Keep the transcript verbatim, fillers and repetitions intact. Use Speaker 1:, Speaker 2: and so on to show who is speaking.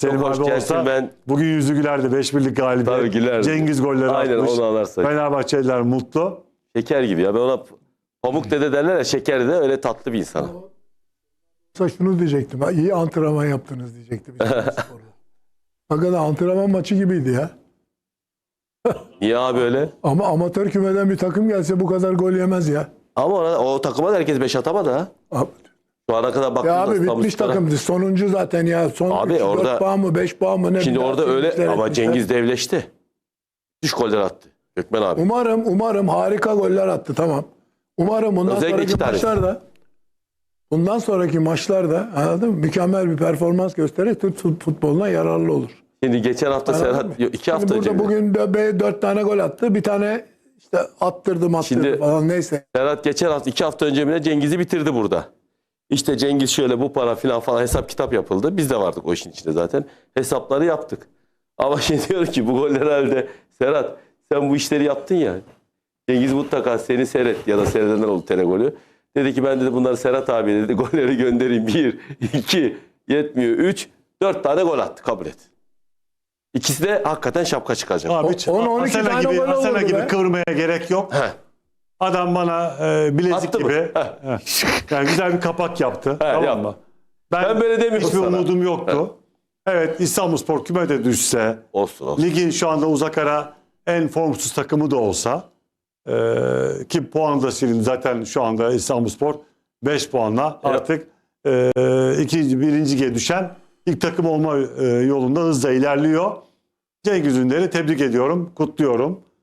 Speaker 1: Selim
Speaker 2: Çok
Speaker 1: abi
Speaker 2: hoş
Speaker 1: olsa
Speaker 2: ben...
Speaker 1: bugün yüzü gülerdi. beş birlik
Speaker 2: Tabii
Speaker 1: galibiyet.
Speaker 2: gülerdi.
Speaker 1: Cengiz golleri
Speaker 2: Aynen,
Speaker 1: atmış.
Speaker 2: onu anlarsak.
Speaker 1: Fenerbahçeliler mutlu.
Speaker 2: Şeker gibi ya. Ben ona Pamuk dede derler ya, şeker de öyle tatlı bir insan.
Speaker 3: Yoksa şunu diyecektim. Ha, iyi antrenman yaptınız diyecektim. Hakikaten antrenman maçı gibiydi ya.
Speaker 2: Niye abi öyle?
Speaker 3: Ama amatör kümeden bir takım gelse bu kadar gol yemez ya.
Speaker 2: Ama ona, o takıma da herkes beş atamadı ha.
Speaker 3: Abi,
Speaker 2: Şu ana kadar baktığımda
Speaker 3: ya abi bitmiş
Speaker 2: İstanbulspor'a-
Speaker 3: takımdı. Sonuncu zaten ya. Son
Speaker 2: Abi
Speaker 3: üç,
Speaker 2: orada-
Speaker 3: dört puan mı beş puan mı ne?
Speaker 2: Şimdi
Speaker 3: bir
Speaker 2: orada
Speaker 3: daha
Speaker 2: öyle
Speaker 3: etmişler,
Speaker 2: ama
Speaker 3: etmişler.
Speaker 2: Cengiz devleşti. Üç goller attı. Gökmen abi.
Speaker 3: Umarım umarım harika goller attı, tamam. Umarım bundan
Speaker 2: Özellikle iki
Speaker 3: sonraki
Speaker 2: tanesi.
Speaker 3: maçlarda bundan sonraki maçlarda anladın mı? Mükemmel bir performans göstererek Türk futboluna yararlı olur.
Speaker 2: Şimdi geçen hafta
Speaker 3: Anladın
Speaker 2: Serhat,
Speaker 3: mı?
Speaker 2: yok, iki
Speaker 3: Şimdi
Speaker 2: hafta önce
Speaker 3: burada
Speaker 2: mi?
Speaker 3: bugün de be- dört tane gol attı. Bir tane işte attırdım attırdım
Speaker 2: Şimdi-
Speaker 3: falan neyse.
Speaker 2: Serhat geçen hafta, iki hafta önce mi ne Cengiz'i bitirdi burada. İşte Cengiz şöyle, bu para filan falan hesap kitap yapıldı. Biz de vardık o işin içinde zaten. Hesapları yaptık. Ama şimdi diyor ki bu goller herhalde Serhat sen bu işleri yaptın ya. Cengiz mutlaka seni seyret ya da seyredenler oldu tene golü. Dedi ki ben dedi bunları Serhat abi dedi golleri göndereyim. Bir, iki, yetmiyor. Üç, dört tane gol attı, kabul et. İkisi de hakikaten şapka çıkacak.
Speaker 1: Abi,
Speaker 3: O- on, on iki
Speaker 1: Asena
Speaker 3: tane
Speaker 1: gibi,
Speaker 3: gol
Speaker 1: Asena
Speaker 3: olurdu
Speaker 1: gibi
Speaker 3: be.
Speaker 1: kıvırmaya gerek yok.
Speaker 2: Heh.
Speaker 1: Adam bana e, bilezik
Speaker 2: Attı mı?
Speaker 1: gibi
Speaker 2: Heh.
Speaker 1: heh, yani güzel bir kapak yaptı. tamam
Speaker 2: yapma.
Speaker 1: mı? Ben,
Speaker 2: Ben böyle demiyorum
Speaker 1: hiçbir
Speaker 2: sana.
Speaker 1: umudum yoktu. Evet, İstanbulspor küme de düşse,
Speaker 2: Olsun olsun.
Speaker 1: ligin şu anda uzak ara en formsuz takımı da olsa e, ki puanı da silindi zaten şu anda İstanbulspor beş puanla artık e, ikinci, birinciye düşen ilk takım olma e, yolunda hızla ilerliyor. Cengiz Ünder'i tebrik ediyorum, kutluyorum.